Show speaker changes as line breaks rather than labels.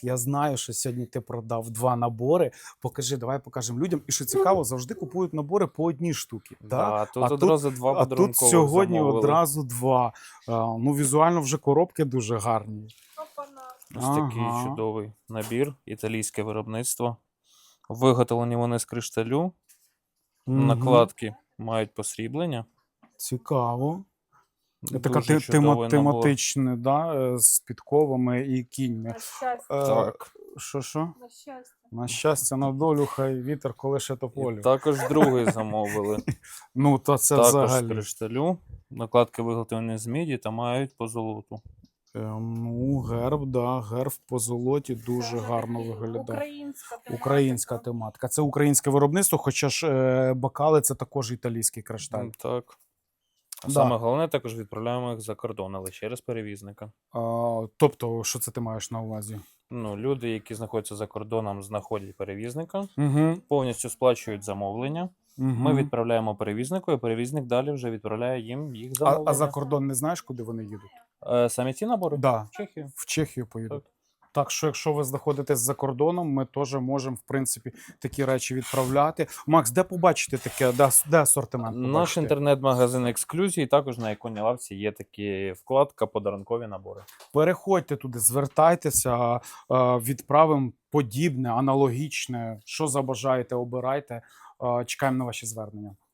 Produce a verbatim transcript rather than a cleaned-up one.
Я знаю, що сьогодні ти продав два набори. Покажи, давай покажемо людям. І що цікаво, завжди купують набори по одній штуці. Да?
Да,
А
тут
тут,
одразу два
а тут
подарункових
сьогодні
замовили.
одразу два. А, ну, візуально вже коробки дуже гарні.
Ось такий
Ага.
чудовий набір, італійське виробництво. Виготовлені вони з кришталю.
Мгм.
Накладки мають посріблення.
Цікаво. Така
Дуже
те- тема,
чудовий набор.
тематичне, да? е, З підковами і кіньми.
На щастя.
Е,
Так.
Що, що?
На щастя.
На щастя, на долю, хай вітер колише
І
тополю.
також другий замовили.
Ну, то це
Також з
взагалі.
кришталю. Накладки виготовлені з міді та мають позолоту.
Е, Ну, герб, да, герб по золоті дуже
Це
гарно
взагалі
виглядає.
Українська тематика.
Українська тематика. Це українське виробництво, хоча ж е, бокали це також італійський кришталь.
М, Так. А
Да.
саме головне, також відправляємо їх за кордон, але через перевізника.
А, тобто, що це ти маєш на увазі?
Ну, люди, які знаходяться за кордоном, знаходять перевізника,
Угу.
повністю сплачують замовлення. Ми відправляємо перевізнику, і перевізник далі вже відправляє їм їх
а,
замовлення.
а за кордон не знаєш, куди вони їдуть?
Е, Самі ці набори?
Да,
В Чехію.
в Чехію поїдуть. Так що, якщо ви знаходитесь за кордоном, ми теж можемо, в принципі, такі речі відправляти. Макс, де побачити таке? Де, де асортимент побачити?
Наш інтернет-магазин Ексклюзії, також на іконі лавці є такі вкладка «Подарункові набори».
Переходьте туди, звертайтеся, е, відправимо подібне, аналогічне, що забажаєте, обирайте. Е, Чекаємо на ваші звернення.